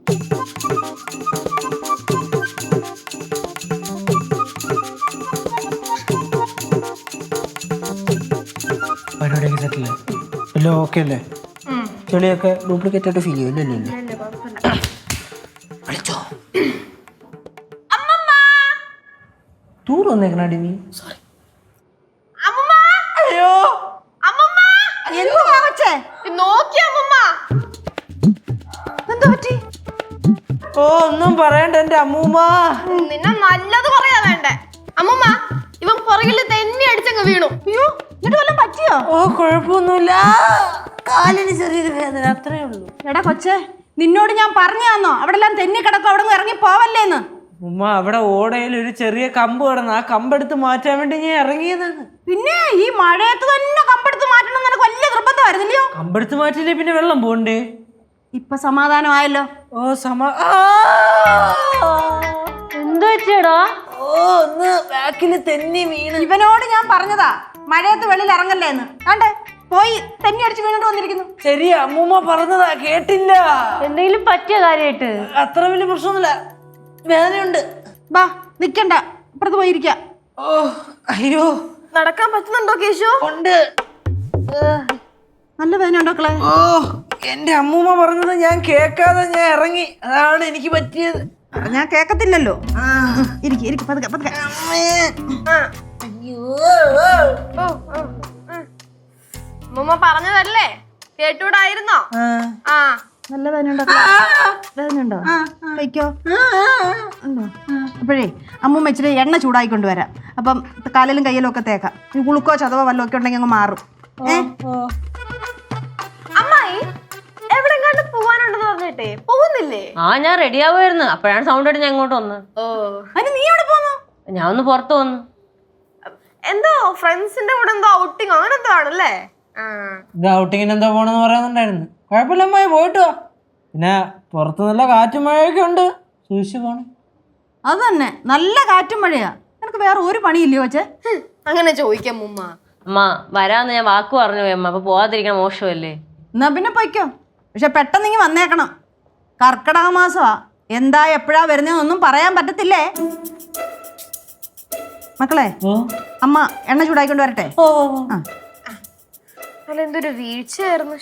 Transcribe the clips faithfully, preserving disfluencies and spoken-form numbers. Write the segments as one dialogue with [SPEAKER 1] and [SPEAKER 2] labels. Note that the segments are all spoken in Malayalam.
[SPEAKER 1] പരിപാടിയൊക്കെ സെറ്റില്ലേ? എല്ലാം ഓക്കെ അല്ലേ? ചെളിയൊക്കെ ഡ്യൂപ്ലിക്കേറ്റ് ആയിട്ട് ഫീൽ ചെയ്യും അല്ലേ? വിളിച്ചോ ടൂർ വന്നേക്കണാടി നീ? സോറി. അയ്യോ ഓ ഒന്നും പറയണ്ട എന്റെ അമ്മൂമ്മ.
[SPEAKER 2] നിന്നെ നല്ലത് പറയാ വേണ്ടേ അമ്മൂമ്മ. ഇവൻ പുറകില് തെന്നി അടിച്ചങ്ങ് വീണു. അയ്യോ എന്നിട്ട് വല്ലതും പറ്റിയോ?
[SPEAKER 1] ഓ കുഴപ്പമൊന്നുമില്ല, കാലിന് ചെറിയൊരു വേദന, അത്രേ ഉള്ളൂ.
[SPEAKER 3] എടാ കൊച്ചേ, നിന്നോട് ഞാൻ പറഞ്ഞു തന്നോ അവിടെ എല്ലാം തെന്നി കിടക്കും, അവിടെ നിന്ന് ഇറങ്ങി പോവല്ലേന്ന്?
[SPEAKER 1] ഉമ്മ അവിടെ ഓടയിൽ ഒരു ചെറിയ കമ്പ് കിടന്നു, ആ കമ്പെടുത്ത് മാറ്റാൻ വേണ്ടി ഞാൻ ഇറങ്ങിയതാണ്.
[SPEAKER 3] പിന്നെ ഈ മഴയത്ത് തന്നെ കമ്പെടുത്ത് മാറ്റണം എന്ന് എനിക്ക് വലിയ നിർബന്ധമായിരുന്നില്ലയോ?
[SPEAKER 1] കമ്പെടുത്ത് മാറ്റില്ലേ പിന്നെ വെള്ളം പോണ്ടേ?
[SPEAKER 3] ഇപ്പൊ സമാധാനമായല്ലോ.
[SPEAKER 1] ഓ സമാ
[SPEAKER 3] എന്ത് പറ്റിയടാ?
[SPEAKER 1] ഓ ഒന്ന് ബാക്കില് തെന്നി വീണ്.
[SPEAKER 3] ഇവനോട് ഞാൻ പറഞ്ഞതാ മഴയത്ത് വെളിയിൽ ഇറങ്ങല്ലേന്ന്. ആണ്ടേ പോയി തെന്നി അടിച്ച് വീണിട്ട് വന്നിരിക്കുന്നു.
[SPEAKER 1] ശരി അമ്മൂമ്മ പറഞ്ഞതാ, കേട്ടില്ല.
[SPEAKER 3] എന്തെങ്കിലും പറ്റിയ കാര്യമായിട്ട്?
[SPEAKER 1] അത്ര വലിയ പ്രശ്നമൊന്നുമില്ല, വേദനയുണ്ട്.
[SPEAKER 3] ബാ നിക്കണ്ട, അപ്പുറത്ത് പോയിരിക്ക.
[SPEAKER 1] ഓ അയ്യോ
[SPEAKER 2] നടക്കാൻ പറ്റുന്നുണ്ടോ കേശു?
[SPEAKER 1] ഉണ്ട്.
[SPEAKER 3] നല്ല വേദന ഉണ്ടോക്കളെ?
[SPEAKER 1] ഓ എന്റെ അമ്മൂമ്മ പറഞ്ഞത് ഞാൻ കേൾക്കാതെ ഞാൻ ഇറങ്ങി, അതാണ് എനിക്ക് പറ്റിയത്.
[SPEAKER 3] ഞാൻ കേക്കത്തില്ലല്ലോ. ഇരിക്കും ഇരിക്കും പതുക്കെ പതുക്കെ.
[SPEAKER 2] അമ്മൂമ്മ പറഞ്ഞതല്ലേ കേട്ടൂടായിരുന്നോ? ആ
[SPEAKER 3] നല്ല വേദന ഉണ്ടോ? വേദന ഉണ്ടോ? കഴിക്കോ? ഉണ്ടോ? അപ്പോഴേ അമ്മൂമ്മ ഇച്ചിരി എണ്ണ ചൂടായി കൊണ്ടുവരാം. അപ്പം കാലിലും കയ്യിലും ഒക്കെ തേക്കാം. ഈ കുളുക്കോ ചതവോ വല്ലതും ഒക്കെ ഉണ്ടെങ്കിൽ അങ്ങ് മാറും. ഏ
[SPEAKER 2] അമ്മായി എവിടെങ്ങാണ്ട് പോവാനുണ്ടെന്ന് പറഞ്ഞിട്ടേ പോകുന്നില്ലേ?
[SPEAKER 4] ആ ഞാൻ റെഡി ആവുമായിരുന്നു, അപ്പോഴാണ് സൗണ്ട് ആയിട്ട് ഞാൻ ഇങ്ങോട്ട് വന്നത്.
[SPEAKER 2] ഓ
[SPEAKER 3] അതിന് നീ എവിടെ പോന്നു?
[SPEAKER 4] ഞാൻ ഒന്ന് പുറത്ത് വന്നു.
[SPEAKER 2] എന്തോ ഫ്രണ്ട്സിന്റെ കൂടെ എന്തോ ഔട്ടിങ് അങ്ങനെ എന്തോ ആണല്ലേ?
[SPEAKER 1] ഇത് ഔട്ടിങ്ങിന് എന്താ പോണെന്ന് പറയുന്നുണ്ടായിരുന്നു. കുഴപ്പമില്ല അമ്മായി, പോയിട്ട് വാ. പിന്നെ പുറത്ത് നല്ല കാറ്റും മഴയൊക്കെ ഉണ്ട്, സൂക്ഷിച്ചു പോണേ.
[SPEAKER 3] അത് തന്നെ, നല്ല കാറ്റും മഴയാ. നിനക്ക് വേറെ ഒരു പണിയില്ലയോ കൊച്ചേ?
[SPEAKER 2] അങ്ങനെ ചോദിക്കാം മുമ്മ.
[SPEAKER 4] അമ്മ വരാന്ന് ഞാൻ വാക്ക് പറഞ്ഞു പോയി അമ്മ, അപ്പൊ പോവാതിരിക്കണം മോശമല്ലേ?
[SPEAKER 3] എന്നാ പിന്നെ പൊയ്ക്കോ, പക്ഷെ പെട്ടെന്ന് ഇങ്ങ് വന്നേക്കണം. കർക്കിടക മാസമാ, എന്താ എപ്പോഴാ വരുന്നതെന്നൊന്നും പറയാൻ പറ്റത്തില്ലേ. മക്കളെ അമ്മ എണ്ണ ചൂടായിക്കൊണ്ട് വരട്ടെ. ആ
[SPEAKER 2] അല്ല എന്തൊരു വീഴ്ചയായിരുന്നു.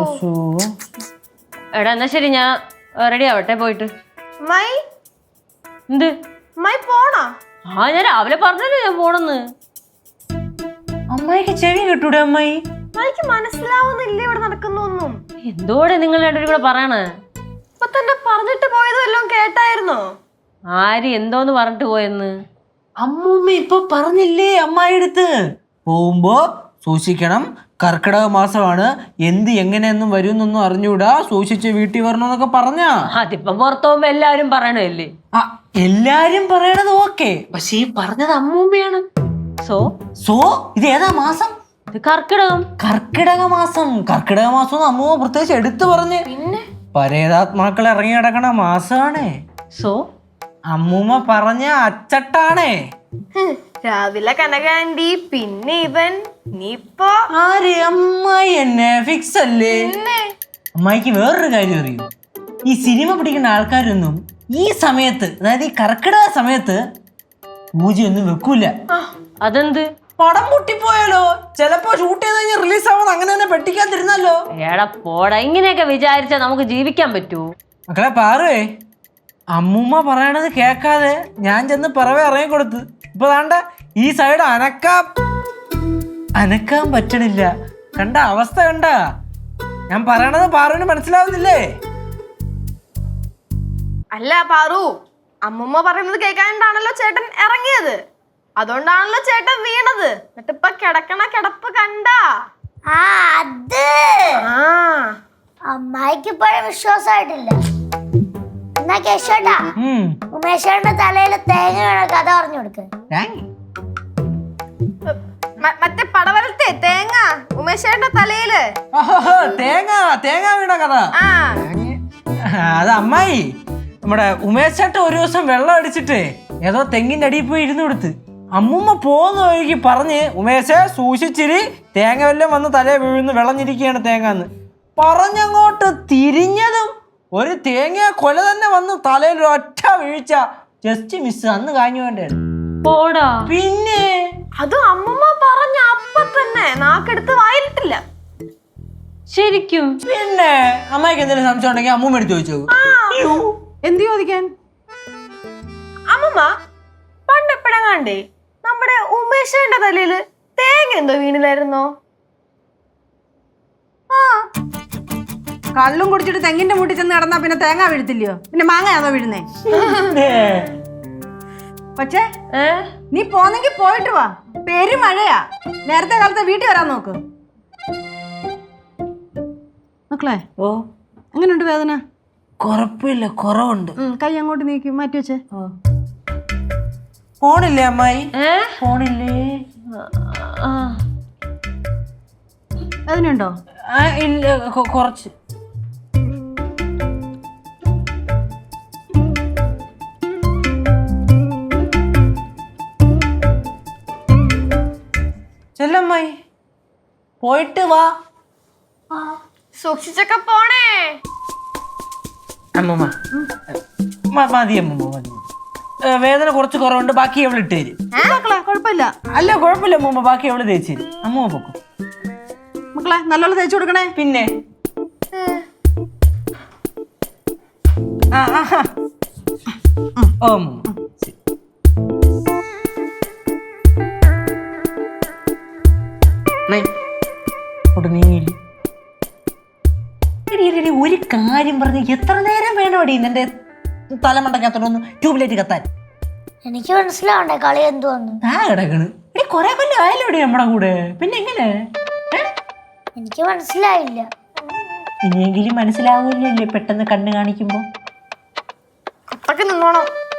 [SPEAKER 4] എടാ എന്നാ ശരി, ഞാൻ റെഡി ആവട്ടെ പോയിട്ട്.
[SPEAKER 2] മൈ
[SPEAKER 4] എന്ത്
[SPEAKER 2] മൈ പോണോ?
[SPEAKER 4] ആ ഞാൻ രാവിലെ പറഞ്ഞല്ലോ ഞാൻ പോണെന്ന്.
[SPEAKER 1] അമ്മായിക്ക് ചെവി കിട്ടൂടെ അമ്മായി?
[SPEAKER 2] മൈക്ക് മനസ്സിലാവുന്നില്ല ഇവിടെ നടക്കുന്നൊന്നും.
[SPEAKER 4] എന്തോടെ നിങ്ങൾ രണ്ടുപേരും കൂടെ പറയണേ?
[SPEAKER 2] ഇപ്പൊ തന്നെ പറഞ്ഞിട്ട് പോയതും എല്ലാം കേട്ടായിരുന്നോ?
[SPEAKER 4] ആര് എന്തോന്ന് പറഞ്ഞിട്ട് പോയെന്ന്?
[SPEAKER 1] അമ്മൂമ്മ ഇപ്പൊ പറഞ്ഞില്ലേ അമ്മായി അടുത്ത്, പോകുമ്പോ സൂക്ഷിക്കണം, കർക്കിടക മാസമാണ്, എന്ത് എങ്ങനെയൊന്നും വരുന്നൊന്നും അറിഞ്ഞൂടാ, സൂക്ഷിച്ച് വീട്ടിൽ വരണമെന്നൊക്കെ പറഞ്ഞാ.
[SPEAKER 4] അതിപ്പം പുറത്തു പോകുമ്പോ എല്ലാരും പറയണല്ലേ?
[SPEAKER 1] ആ എല്ലാരും പറയണത് ഓക്കെ, പക്ഷെ ഈ പറഞ്ഞത് അമ്മൂമ്മയാണ്.
[SPEAKER 4] സോ
[SPEAKER 1] സോ ഇത് ഏതാ മാസം?
[SPEAKER 4] ഇത് കർക്കിടകം.
[SPEAKER 1] കർക്കിടക മാസം. കർക്കിടക മാസം അമ്മൂമ്മ പ്രത്യേകിച്ച് എടുത്തു പറഞ്ഞ്.
[SPEAKER 2] പിന്നെ
[SPEAKER 1] പരേതാത്മാക്കൾ ഇറങ്ങി കിടക്കണ മാസാണേ.
[SPEAKER 4] സോ
[SPEAKER 1] അമ്മൂമ്മ പറഞ്ഞ അച്ചട്ടാണേ.
[SPEAKER 2] രാവിലെ കനകാന്റി, പിന്നെ ഇവൻ, നീപ്പോ
[SPEAKER 1] ആര്? അമ്മായി എന്നെ ഫിക്സ് അല്ലേ? അമ്മായിക്ക് വേറൊരു കാര്യം അറിയൂ, ഈ സിനിമ പിടിക്കുന്ന ആൾക്കാരൊന്നും ഈ സമയത്ത്, അതായത് ഈ കർക്കിടക സമയത്ത് പൂജയൊന്നും വെക്കൂല.
[SPEAKER 4] അതെന്ത്?
[SPEAKER 1] പടം പൊട്ടിപ്പോയാലോ, ചിലപ്പോ ഷൂട്ട് ചെയ്ത് കഴിഞ്ഞാൽ റിലീസ് ആവുന്നത് അങ്ങനെ തന്നെ പെട്ടിക്കാതിരുന്നല്ലോ.
[SPEAKER 4] ഏടാ പോടാ, ഇങ്ങനെയൊക്കെ വിചാരിച്ചാ നമുക്ക് ജീവിക്കാൻ പറ്റൂ?
[SPEAKER 1] മക്കളെ പാറുവേ, അമ്മൂമ്മ പറയണത് കേക്കാതെ ഞാൻ ചെന്ന് പിറവെ ഇറങ്ങി കൊടുത്ത്, ഇപ്പൊ താണ്ട ഈ സൈഡ് അനക്കാൻ അനക്കാൻ പറ്റണില്ല. കണ്ട അവസ്ഥ കണ്ട? ഞാൻ പറയണത് പാറുവിന് മനസ്സിലാവുന്നില്ലേ?
[SPEAKER 2] അല്ല പാറു, അമ്മൂമ്മ പറയുന്നത് കേൾക്കാണ്ടാണല്ലോ ചേട്ടൻ ഇറങ്ങിയത്, അതുകൊണ്ടാണല്ലോ ചേട്ടൻ വീണത്. എന്നിട്ടിപ്പൊ കിടക്കണ കിടപ്പ് കണ്ടാ?
[SPEAKER 5] ആ അത്
[SPEAKER 2] ആ
[SPEAKER 5] അമ്മായിക്ക് ഇപ്പോഴും വിശ്വാസമായിട്ടില്ല. എന്നാ കേശോട്ടാ, ഉമേശേട്ടന്റെ തലയിൽ തേങ്ങ വീണ കഥ പറഞ്ഞു കൊടുക്ക്.
[SPEAKER 2] മറ്റേ പടവലത്തെ തേങ്ങ ഉമേശേട്ടന്റെ തലയില്.
[SPEAKER 1] തേങ്ങ തേങ്ങ വീണ കഥ.
[SPEAKER 2] ആ
[SPEAKER 1] അത് അമ്മായി, നമ്മുടെ ഉമേശേട്ട ഒരു ദിവസം വെള്ളം അടിച്ചിട്ട് ഏതോ തെങ്ങിന്റെ അടിയിൽ പോയി ഇരുന്ന് കൊടുത്ത്, അമ്മൂമ്മ പോകുന്ന വഴിക്ക് പറഞ്ഞ് ഉമേശെ സൂക്ഷിച്ചിരി, തേങ്ങ വല്ലതും വന്ന് തലേ വീഴുന്നു, വിളഞ്ഞിരിക്കുകയാണ് തേങ്ങന്ന് പറഞ്ഞങ്ങോട്ട് തിരിഞ്ഞതും ഒരു തേങ്ങ കൊല തന്നെ വന്ന് തലയിൽ ഒറ്റ വീഴ്ച. Just miss. അന്ന് കാഞ്ഞു വേണ്ടത്.
[SPEAKER 4] പോടാ.
[SPEAKER 1] പിന്നെ
[SPEAKER 2] അത് അമ്മമ്മ പറഞ്ഞ അപ്പ തന്നെ നാക്കെടുത്ത് വായിലിട്ടില്ല.
[SPEAKER 4] ശരിക്കും?
[SPEAKER 1] പിന്നെ അമ്മയ്ക്ക് എന്തെങ്കിലും സംശയം ഉണ്ടെങ്കിൽ അമ്മൂമ്മ എടുത്ത് ചോദിച്ചു.
[SPEAKER 3] എന്ത് ചോദിക്കാൻ?
[SPEAKER 2] അമ്മമ്മ പണ്ട് എപ്പോഴെങ്ങാണ്ടേ നമ്മുടെ ഉമേഷന്റെ തലയില് തേങ്ങ എന്തോ വീണില്ലായിരുന്നോ?
[SPEAKER 3] ആ കള്ളും കുടിച്ചിട്ട് തെങ്ങിന്റെ മുട്ടിൽ ചെന്ന് കിടന്നാ പിന്നെ തേങ്ങ വീഴത്തില്ലയോ? പിന്നെ മാങ്ങയാണോ വീഴുന്നേ? പക്ഷേ നീ പോന്നെങ്കി പോയിട്ട് വാ. പെരു മഴയാ. നേരത്തെ കാലത്തെ വീട്ടിൽ വരാൻ നോക്ക്. മക്കളെ
[SPEAKER 1] ഓ
[SPEAKER 3] എങ്ങനെയുണ്ട് വേദന?
[SPEAKER 1] കുഴപ്പമില്ല, കുറവുണ്ട്.
[SPEAKER 3] കൈ അങ്ങോട്ട് നീക്കി മാറ്റി വെച്ചേ.
[SPEAKER 1] ഫോണില്ലേ അമ്മായി? ഫോണില്ലേ?
[SPEAKER 3] വേദനയുണ്ടോ?
[SPEAKER 1] ഇല്ല, കുറച്ച്. ചെല്ലമ്മായി പോയിട്ട് വാ.
[SPEAKER 2] സൂക്ഷിച്ചൊക്കെ പോണേ.
[SPEAKER 1] അമ്മൂമ്മ മതി അമ്മൂമ്മ മതി. വേദന കുറച്ച് കുറവുണ്ട്, ബാക്കി അവൾ ഇട്ട് തരും.
[SPEAKER 3] മക്കളെ കുഴപ്പമില്ല.
[SPEAKER 1] അല്ല കുഴപ്പമില്ല അമ്മൂമ്മ, ബാക്കി അവള് തേച്ച് തരും. അമ്മൂമ്മ പൊക്കും.
[SPEAKER 3] മക്കളെ നല്ലോണം തേച്ചു കൊടുക്കണേ.
[SPEAKER 1] പിന്നെ ആ ആഹാ. ഓ അമ്മൂമ്മ ശരി. നീങ്ങില്ല. ഒരു കാര്യം പറഞ്ഞ് എത്ര നേരം വേണോടി നിന്റെ തലമണ്ടക്കത്തോടൊന്ന് ട്യൂബ്ലൈറ്റ് കത്താൻ?
[SPEAKER 5] എനിക്ക് മനസ്സിലാവണ്ടേ കളി എന്തുവന്ന്?
[SPEAKER 1] ആ കിടക്കണ് എടി കൊറേ കൊല്ലം ആയല്ലോടി നമ്മുടെ കൂടെ. പിന്നെ എങ്ങനെ?
[SPEAKER 5] എനിക്ക് മനസ്സിലായില്ല.
[SPEAKER 1] ഇനിയെങ്കിലും മനസ്സിലാവില്ലല്ലേ പെട്ടെന്ന് കണ്ണ് കാണിക്കുമ്പോ.
[SPEAKER 2] അപ്പൊക്കെ നിന്നോണം.